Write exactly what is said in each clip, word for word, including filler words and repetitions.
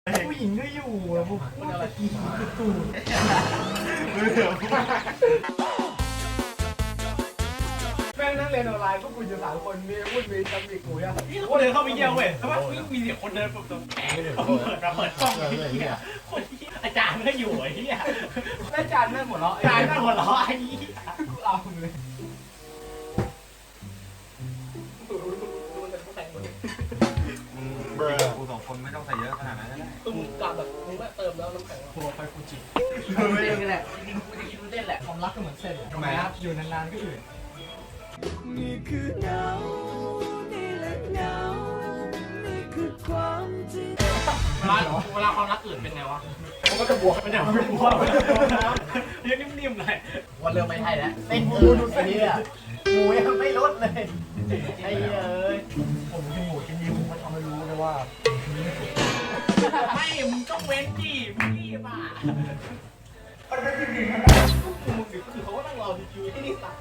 ผู้หญิงก็อยู่แล้วพวกพูดอะไรอีกตูดแม่งนั่งเรียนออนไลน์พวกคุณอยู่สามคนมีพูดมีจำอีกกูอ่ะพี่คนเดินเข้าไปเยี่ยมเว้ยแต่ว่ามีเสียงคนเดินแบบเปิดมาเปิดกล้องไอ้เหี้ยคนที่อาจารย์ก็อยู่ไอ้เหี้ยแม่จานแม่งหัวเราะอาจารย์ก็หัวเราะไอ้เหี้ยเอาเลยเบอร์กูสองคนไม่ต้องใส่เยอะขนาดนั้นก็ได้คือมึงกลับแบบมึงแบบเติมแล้วน้ำแข็งโคไฟฟูจิไม่ได้แหละจริงๆกูจะคิดว่าเล่นแหละความรักก็เหมือนเส้นทำไมครับอยู่นานๆก็อื่นนี่คือเงานี่แหละเงานี่คือความจริงเวลาเวลาความรักอื่นเป็นไงวะมันก็จะบวกมันจะไม่บวมมันจะบวมน้ำยังนิ่มๆเลยวันเริ่มไม่ใช่แล้วเต้นกูดูไอ้เนี่ยหมูยังไม่ลดเลยไอ้เอ้ยผมกินหมูกินยิ้มมันทำให้รู้เลยว่าไม่มึงต้องเว้นดิมึงรีบอ่ะมันไม่จริงๆนะมึงดิคือเขาก็นั่งรอคิวที่นี่สาม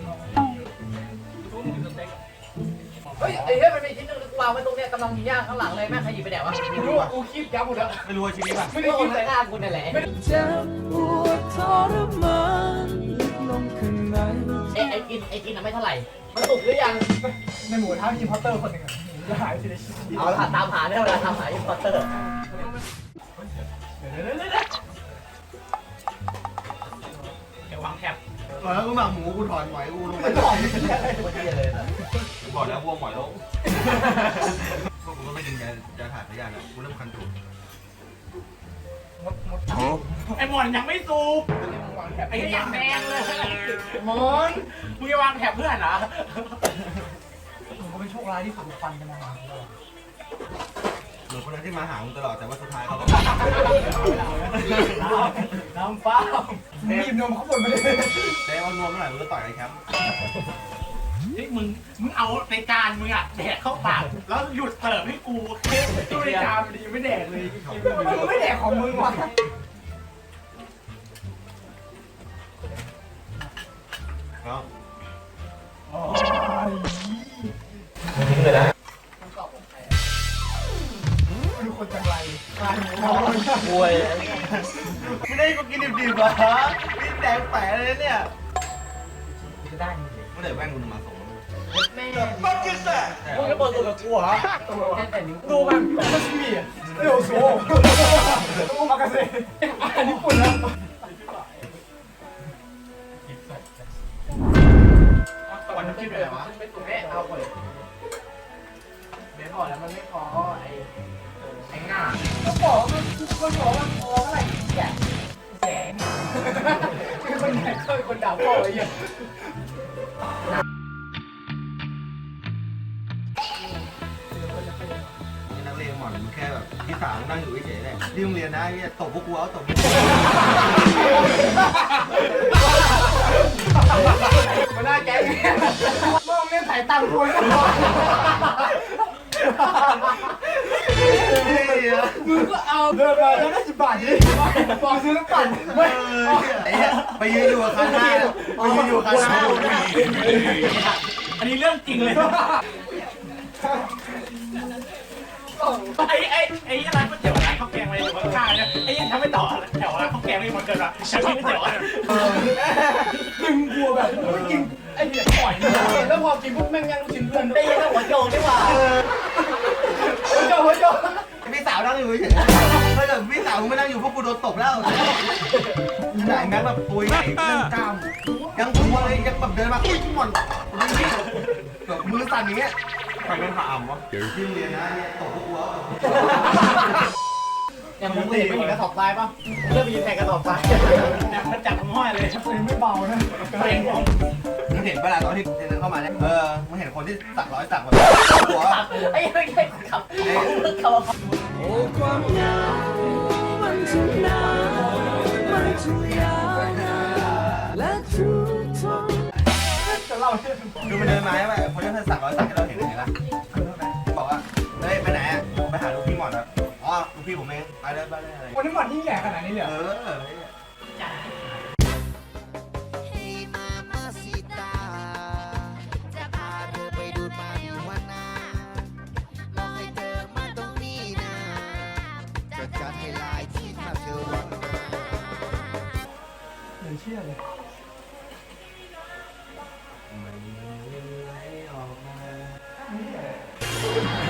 เฮ้ยไอ้เฮ้ยมันมีชิ้นหนึ่งวางไว้ตรงเนี้ยกำลังย่างข้างหลังเลยแม่ขยิบไปไหนวะไม่รู้อ่ะกูคิดยับหมดแล้วไม่รู้ว่าชีวิตป่ะไม่ได้กินใส่หน้ากูนั่นแหละเจ็บปวดทรมานลึกลงข้างในไอ้ไอ้กินไอ้กินน่ะไม่เท่าไหร่มันสุกหรือยังในหมูท้ามีพอตเตอร์คนหนึ่งอ่ะหมูจะหายทีละชิ้นเอาละตามหาได้เวลาทำหาอินพอร์เตอร์เดี๋ยววางแถบแล้วกูหมักหมูกูถอนหมอยกูลงไปไม่บอกไม่ใช่เลยนะบอกแล้ววัวหมอยลงพวกกูก็ไม่ดึงจะจะถ่ายพยานแล้วกูเริ่มคันตูดมดมดไอ้หมอนยังไม่สูบวางแถบไอ้ยังแดงเลยมอนมึงจะวางแถบเพื่อนเหรอผมก็เป็นโชคร้ายที่ผมฟันกันมาเหมือนคนนั้นที่มาหามึงตลอดแต่ว่าสุดท้ายเขาก็น้ำฟ้าบีบนมเขาหมดไปเลยได้เอานวมเมื่อไหร่มึงก็ต่อยไอ้แคมป์เฮ้ยมึงมึงเอาในจานมึงอ่ะแดกเข้าปากแล้วหยุดเสิร์ฟให้กูตู้ในจานมันยังไม่แดกเลยมึงไม่แดกของมึงวะแล้วดูคนจังไรกลายเป็นนอนบวยไม่ได้กูกินดิบๆเหรอนี่แดงแปะเลยเนี่ยจะได้เมื่อไหร่แว่นกูจะมาส่งแม่มึงจะเปิดตัวกับกูเหรอแต่นิ้วดูมันก็ชิมิเร็วโซ่โอ้มากาเซ่อันนี้ปุ่นแล้ววันน้ำจิ้มไปไหนวะไม่ถูกแม่เอาไปเบสบอกแล้วมันไม่พอไอ้ไอ้ง่าก็บอกมันคนบอกว่าพอเมื่อไหร่แกะแสงคือคนไหนเคยคนด่าพ่อไอ้เหี้ยนักเรียนหมอนมึงแค่แบบที่สามนั่งอยู่เฉยๆเลยที่โรงเรียนนะเนี่ยตบพวกกูเอาตบมาหน้าแกเนี่ยมองเนี่ยถ่ายตังค์กูนะมึงก็เอาเดินมาแล้วได้สิบบาทดิบอกซื้อน้ำปั่นไม่ไอ้เหี้ยไปยืนอยู่กับคันหน้าไปยืนอยู่กับคันหน้าอันนี้เรื่องจริงเลยไอ้ไอ้ไอ้ร้านก๋วยเตี๋ยวร้านข้าวแกงอะไรอยู่ข้างๆเนี่ยไอ้ยังทำไม่ต่อแถวร้านข้าวแกงไม่มันเกินละฉันกินก๋วยเตี๋ยวอ่ะดึงบัวแบบไม่กินไอ้เนี่ยปล่อยแล้วพอกินปุ๊บแม่งยังลูกชิ้นเพื่อนได้ยินแล้วหัวโจงดีกว่าหัวโจหัวโจพี่สาวนั่งอยู่เฉยๆถ้าเกิดพี่สาวมึงไม่นั่งอยู่พวกกูโดนตบแล้วขนาดแม็กแบบปุยใหญ่เรื่องกล้ามยังกลัวเลยยังแบบเดินมาอุ้ยหมอนแบบมือสั่นอย่างเงี้ยใครเป็นผ่าอ่ำวะที่โรงเรียนนะเนี่ยตบพวกกูเอาอย่างมึงเห็นไม่เห็นกระสอบทรายป่ะเริ่มมีแข่งกระสอบทรายมันจับทั้งห้อยเลยตัวไม่เบานะเพลงผมมึงเห็นเวลาตอนที่เดินเข้ามาเนี่ยเออมึงเห็นคนที่สักร้อยสักแบบหัวไอ้ไม่ใช่ขับเขาเขาโอ้ความเหงามันช่างนานมันช่างยาวนานและทุกทนจะเล่าเรื่องดูมันเดินมาใช่ไหมคนที่สักร้อยสักที่เราเห็นเห็นปะบอกว่าเฮ้ยไปไหนไปหาลูกพี่หมอนครับอ๋อลูกพี่ผมเองไปเลยไปเลยอะไรวันนี้หมดยิ่งใหญ่ขนาดนี้เลยเออ Hey Mamacita จะพาเธอไปดูมาริวาน่าลองให้เธอมาตรงนี้นะจะใจเหมือนเชื่อเลยมันไหลออกมาเ